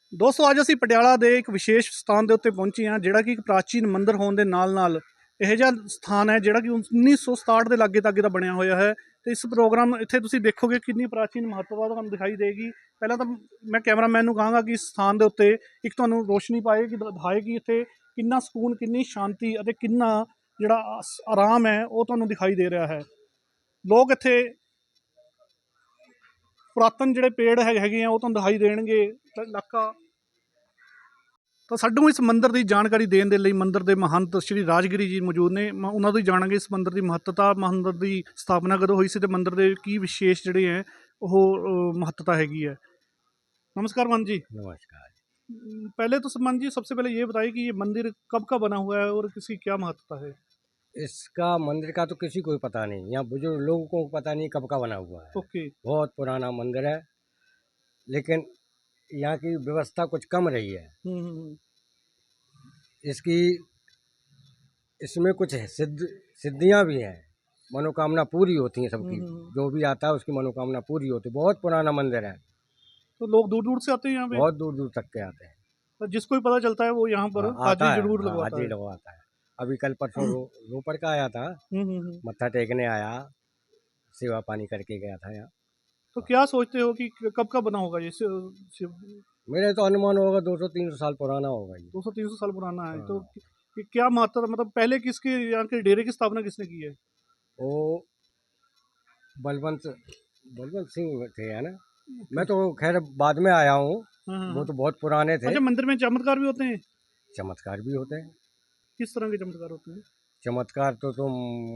ਦੋਸਤੋ ਅੱਜ ਅਸੀਂ ਪਟਿਆਲਾ ਦੇ ਇੱਕ ਵਿਸ਼ੇਸ਼ ਸਥਾਨ ਦੇ ਉੱਤੇ ਪਹੁੰਚੇ ਹਾਂ, ਜਿਹੜਾ ਕਿ ਇੱਕ ਪ੍ਰਾਚੀਨ ਮੰਦਿਰ ਹੋਣ ਦੇ ਨਾਲ ਇਹੋ ਜਿਹਾ ਸਥਾਨ ਹੈ ਜਿਹੜਾ ਕਿ 1967 ਦੇ ਲਾਗੇ ਤਾਗੇ ਦਾ ਬਣਿਆ ਹੋਇਆ ਹੈ। ਤੇ ਇਸ ਪ੍ਰੋਗਰਾਮ ਇੱਥੇ ਤੁਸੀਂ ਦੇਖੋਗੇ ਕਿੰਨੀ ਪ੍ਰਾਚੀਨ ਮਹੱਤਤਾ ਤੁਹਾਨੂੰ ਦਿਖਾਈ ਦੇਗੀ। ਪਹਿਲਾਂ ਤਾਂ ਮੈਂ ਕੈਮਰਾਮੈਨ ਨੂੰ ਕਹਾਂਗਾ ਕਿ ਇਸ ਸਥਾਨ ਦੇ ਉੱਤੇ ਇੱਕ ਤੁਹਾਨੂੰ ਰੋਸ਼ਨੀ ਪਾਏਗੀ, ਦਿਖਾਏਗੀ ਇੱਥੇ ਕਿੰਨਾ ਸਕੂਨ, ਕਿੰਨੀ ਸ਼ਾਂਤੀ ਅਤੇ ਕਿੰਨਾ ਜਿਹੜਾ ਆਰਾਮ ਹੈ ਉਹ ਤੁਹਾਨੂੰ ਦਿਖਾਈ ਦੇ ਰਿਹਾ ਹੈ। ਲੋਕ ਇੱਥੇ ਪੁਰਾਤਨ ਜਿਹੜੇ ਪੇੜ ਹੈਗੇ ਆ ਉਹ ਤੁਹਾਨੂੰ ਦਿਖਾਈ ਦੇਣਗੇ। ਇਲਾਕਾ ਤਾਂ ਸਾਨੂੰ ਇਸ ਮੰਦਿਰ ਦੀ ਜਾਣਕਾਰੀ ਦੇਣ ਦੇ ਲਈ ਮੰਦਿਰ ਦੇ ਮਹੰਤ ਸ਼੍ਰੀ ਰਾਜਗਿਰੀ ਜੀ ਮੌਜੂਦ ਨੇ। ਉਹਨਾਂ ਤੋਂ ਹੀ ਜਾਣਾਂਗੇ ਇਸ ਮੰਦਿਰ ਦੀ ਮਹੱਤਤਾ, ਮੰਦਿਰ ਦੀ ਸਥਾਪਨਾ ਕਦੋਂ ਹੋਈ ਸੀ ਤੇ ਮੰਦਿਰ ਦੇ ਕੀ ਵਿਸ਼ੇਸ਼ ਜਿਹੜੇ ਹੈ ਉਹ महत्ता हैगी है। नमस्कार मान जी। नमस्कार। पहले तो मान जी सबसे पहले ये बताइए कि ये मंदिर कब का बना हुआ है और इसकी क्या महत्ता है। इसका मंदिर का तो किसी को पता नहीं, यहाँ बुजुर्ग लोगों को पता नहीं कब का बना हुआ है। ओके। बहुत पुराना मंदिर है, लेकिन यहाँ की व्यवस्था कुछ कम रही है। इसकी इसमें कुछ सिद्धियाँ भी हैं, मनोकामना पूरी होती हैं सबकी। जो भी आता है उसकी मनोकामना पूरी होती है। बहुत पुराना मंदिर है, तो लोग दूर दूर से आते हैं यहाँ पे। बहुत दूर दूर तक के आते हैं। तो जिसको भी पता चलता है वो यहाँ पर हाजिरी जरूर लगवाता है। अभी कल परसों रोपड़ का आया था, मत्था टेकने आया, सेवा पानी करके गया था यहाँ। तो क्या सोचते हो कि कब का बना होगा ये मेरे तो अनुमान होगा 200-300 साल पुराना होगा ये। 200-300 साल पुराना है। तो क्या महत्ता, मतलब पहले किसके यहाँ के डेरे की स्थापना किसने की है। वो बलवंत सिंह थे, है ना। मैं तो खैर बाद में आया हूँ, वो तो बहुत पुराने थे। अच्छा, मंदिर में चमत्कार भी होते हैं। चमत्कार भी होते हैं। किस तरह के चमत्कार होते हैं। चमत्कार तो तुम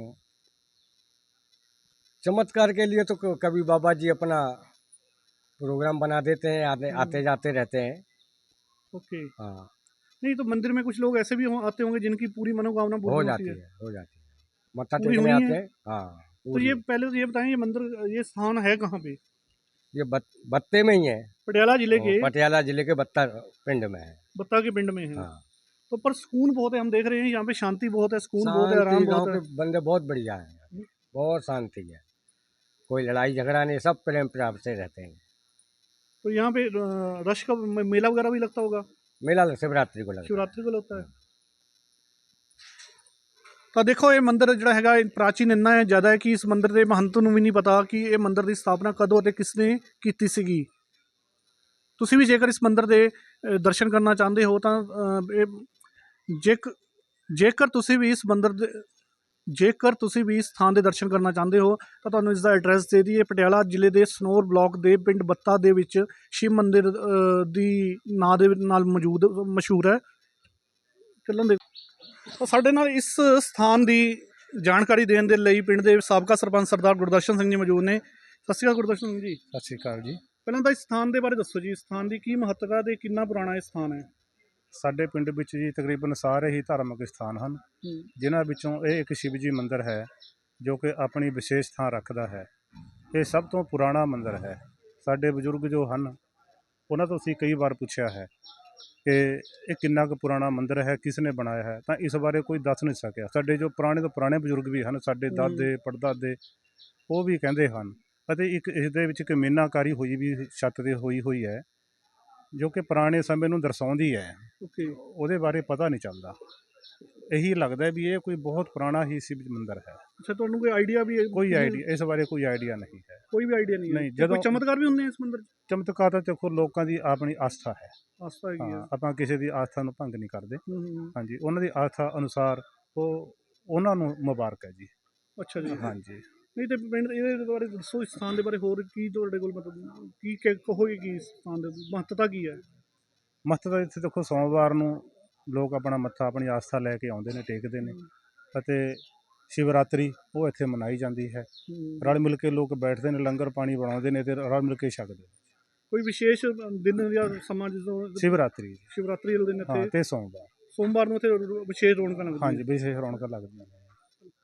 चमत्कार के लिए तो कभी बाबा जी अपना प्रोग्राम बना देते हैं, आते जाते रहते हैं। ओके। हाँ, नहीं तो मंदिर में कुछ लोग ऐसे भी आते होंगे जिनकी पूरी मनोकामना पूरी हो जाती है मत्था टेकने आते हैं। हाँ, तो ये पहले तो ये बताएं, ये मंदिर, ये स्थान है कहाँ पे। ये बत्ते में ही है, पटियाला जिले के। पटियाला जिले के बत्ता पिंड में है। बत्ता के पिंड में है। हाँ। तो पर सुकून बहुत है, हम देख रहे हैं यहाँ पे शांति बहुत है, सुकून बहुत है, आराम बहुत है। बंदे बहुत बढ़िया है, बहुत शांति है, कोई लड़ाई झगड़ा नहीं, सब प्रेम प्यार से रहते हैं। तो यहाँ पे रश का मेला वगैरह भी लगता होगा। मेला शिवरात्रि को लगता है। शिवरात्रि को लगता है। तो देखो ये मंदिर ਜਿਹੜਾ ਹੈਗਾ ਪ੍ਰਾਚੀਨ ਇੰਨਾ ਹੈ ਜ਼ਿਆਦਾ ਹੈ ਕਿ ਇਸ ਮੰਦਿਰ ਦੇ ਮਹੰਤ ਨੂੰ ਵੀ ਨਹੀਂ ਪਤਾ ਕਿ ਇਹ ਮੰਦਿਰ ਦੀ ਸਥਾਪਨਾ ਕਦੋਂ ਅਤੇ ਕਿਸਨੇ ਕੀਤੀ ਸੀਗੀ। ਤੁਸੀਂ ਵੀ ਜੇਕਰ ਇਸ ਮੰਦਿਰ ਦੇ ਦਰਸ਼ਨ ਕਰਨਾ ਚਾਹੁੰਦੇ ਹੋ ਤਾਂ ਜੇਕਰ ਤੁਸੀਂ ਵੀ ਇਸ ਮੰਦਿਰ ਦੇ ਜੇਕਰ ਤੁਸੀਂ ਵੀ ਇਸ ਸਥਾਨ ਦੇ ਦਰਸ਼ਨ ਕਰਨਾ ਚਾਹੁੰਦੇ ਹੋ ਤਾਂ ਤੁਹਾਨੂੰ ਇਸ ਦਾ ਐਡਰੈਸ ਦੇ ਦਈਏ। ਪਟਿਆਲਾ ਜ਼ਿਲ੍ਹੇ ਦੇ ਸਨੌਰ ਬਲਾਕ ਦੇ ਪਿੰਡ ਬੱਤਾ ਦੇ ਵਿੱਚ ਸ਼ਿਵ ਮੰਦਿਰ ਦੀ ਨਾਂ ਦੇ ਨਾਲ ਮਸ਼ਹੂਰ ਹੈ। ਚੱਲਣ ਦੇ ਤਾਂ ਸਾਡੇ ਨਾਲ ਇਸ ਸਥਾਨ ਦੀ ਜਾਣਕਾਰੀ ਦੇਣ ਦੇ ਲਈ ਪਿੰਡ ਦੇ ਸਾਬਕਾ ਸਰਪੰਚ ਸਰਦਾਰ ਗੁਰਦਰਸ਼ਨ ਸਿੰਘ ਜੀ ਮੌਜੂਦ ਨੇ। ਸਤਿ ਸ਼੍ਰੀ ਅਕਾਲ ਗੁਰਦਰਸ਼ਨ ਸਿੰਘ ਜੀ। ਸਤਿ ਸ਼੍ਰੀ ਅਕਾਲ ਜੀ। ਪਹਿਲਾਂ ਤਾਂ ਇਸ ਸਥਾਨ ਦੇ ਬਾਰੇ ਦੱਸੋ ਜੀ, ਇਸ ਸਥਾਨ ਦੀ ਕੀ ਮਹੱਤਤਾ ਤੇ ਕਿੰਨਾ ਪੁਰਾਣਾ ਇਹ ਸਥਾਨ ਹੈ। ਸਾਡੇ ਪਿੰਡ ਵਿੱਚ ਜੀ ਤਕਰੀਬਨ ਸਾਰੇ ਹੀ ਧਾਰਮਿਕ ਸਥਾਨ ਹਨ, ਜਿਨ੍ਹਾਂ ਵਿੱਚੋਂ ਇਹ ਇੱਕ ਸ਼ਿਵ ਜੀ ਮੰਦਿਰ ਹੈ ਜੋ ਕਿ ਆਪਣੀ ਵਿਸ਼ੇਸ਼ ਥਾਂ ਰੱਖਦਾ ਹੈ। ਇਹ ਸਭ ਤੋਂ ਪੁਰਾਣਾ ਮੰਦਿਰ ਹੈ। ਸਾਡੇ ਬਜ਼ੁਰਗ ਜੋ ਹਨ ਉਹਨਾਂ ਤੋਂ ਅਸੀਂ ਕਈ ਵਾਰ ਪੁੱਛਿਆ ਹੈ ਕਿ ਇਹ ਕਿੰਨਾ ਕੁ ਪੁਰਾਣਾ ਮੰਦਿਰ ਹੈ, ਕਿਸ ਨੇ ਬਣਾਇਆ ਹੈ, ਤਾਂ ਇਸ ਬਾਰੇ ਕੋਈ ਦੱਸ ਨਹੀਂ ਸਕਿਆ। ਸਾਡੇ ਜੋ ਪੁਰਾਣੇ ਤੋਂ ਪੁਰਾਣੇ ਬਜ਼ੁਰਗ ਵੀ ਹਨ, ਸਾਡੇ ਦਾਦੇ ਪੜਦਾਦੇ, ਉਹ ਵੀ ਕਹਿੰਦੇ ਹਨ। ਅਤੇ ਇੱਕ ਇਸ ਦੇ ਵਿੱਚ ਇੱਕ ਮੀਨਾਕਾਰੀ ਹੋਈ ਵੀ ਛੱਤ 'ਤੇ ਹੋਈ ਹੈ ਜੋ ਕਿ ਪੁਰਾਣੇ ਸਮੇਂ ਨੂੰ ਦਰਸਾਉਂਦੀ ਹੈ। ਉਹਦੇ ਬਾਰੇ ਪਤਾ ਨਹੀਂ ਚੱਲਦਾ, ਇਹੀ ਲੱਗਦਾ ਵੀ ਇਹ ਕੋਈ ਬਹੁਤ ਪੁਰਾਣਾ ਹੀ ਸ਼ਿਵ ਮੰਦਿਰ ਹੈ। ਅੱਛਾ, ਤੁਹਾਨੂੰ ਕੋਈ ਆਈਡੀਆ ਵੀ ਹੈ? ਕੋਈ ਆਈਡੀਆ ਇਸ ਬਾਰੇ ਕੋਈ ਆਈਡੀਆ ਨਹੀਂ ਹੈ। ਕੋਈ ਵੀ ਆਈਡੀਆ ਨਹੀਂ। ਜਦੋਂ ਚਮਤਕਾਰ ਵੀ ਹੁੰਦੇ ਇਸ ਮੰਦਿਰ 'ਚ? ਚਮਤਕਾਰ ਤਾਂ ਦੇਖੋ ਲੋਕਾਂ ਦੀ ਆਪਣੀ ਆਸਥਾ ਹੈ। ਆਸਥਾ ਹੈਗੀ ਆ। ਆਪਾਂ ਕਿਸੇ ਦੀ ਆਸਥਾ ਨੂੰ ਭੰਗ ਨਹੀਂ ਕਰਦੇ। ਹਾਂਜੀ, ਉਹਨਾਂ ਦੀ ਆਸਥਾ ਅਨੁਸਾਰ ਉਹ ਉਹਨਾਂ ਨੂੰ ਮੁਬਾਰਕ ਹੈ ਜੀ। ਅੱਛਾ ਜੀ। ਹਾਂਜੀ। ਨਹੀਂ ਤੇ ਪਿੰਡ ਇਹਦੇ ਬਾਰੇ ਦੱਸੋ, ਇਸ ਸਥਾਨ ਦੇ ਬਾਰੇ ਹੋਰ ਕੀ ਤੁਹਾਡੇ ਕੋਲ ਮਤਲਬ ਕੀ ਕਹੋਗੇ ਕਿ ਇਸ ਸਥਾਨ ਦੀ ਮਹੱਤਤਾ ਕੀ ਹੈ। ਮਹੱਤਤਾ ਇੱਥੇ ਦੇਖੋ ਸੋਮਵਾਰ ਨੂੰ ਲੋਕ ਆਪਣਾ ਮੱਥਾ ਆਪਣੀ ਆਸਥਾ ਲੈ ਕੇ ਆਉਂਦੇ ਨੇ, ਟੇਕਦੇ ਨੇ, ਅਤੇ ਸ਼ਿਵਰਾਤਰੀ ਉਹ ਇੱਥੇ ਮਨਾਈ ਜਾਂਦੀ ਹੈ। ਰਲ ਮਿਲ ਕੇ ਲੋਕ ਬੈਠਦੇ ਨੇ, ਲੰਗਰ ਪਾਣੀ ਬਣਾਉਂਦੇ ਨੇ ਅਤੇ ਰਲ ਮਿਲ ਕੇ ਛਕਦੇ ਨੇ। ਕੋਈ ਵਿਸ਼ੇਸ਼ ਦਿਨ ਜਾਂ ਸਮਾਂ ਜਦੋਂ ਸ਼ਿਵਰਾਤਰੀ ਵਾਲੇ ਦਿਨ ਇੱਥੇ ਤੇ ਸੋਮਵਾਰ ਨੂੰ ਇੱਥੇ ਵਿਸ਼ੇਸ਼ ਰੌਣਕਾਂ ਲੱਗਦੀਆਂ। ਹਾਂਜੀ, ਵਿਸ਼ੇਸ਼ ਰੌਣਕਾਂ ਲੱਗਦੀਆਂ ਨੇ।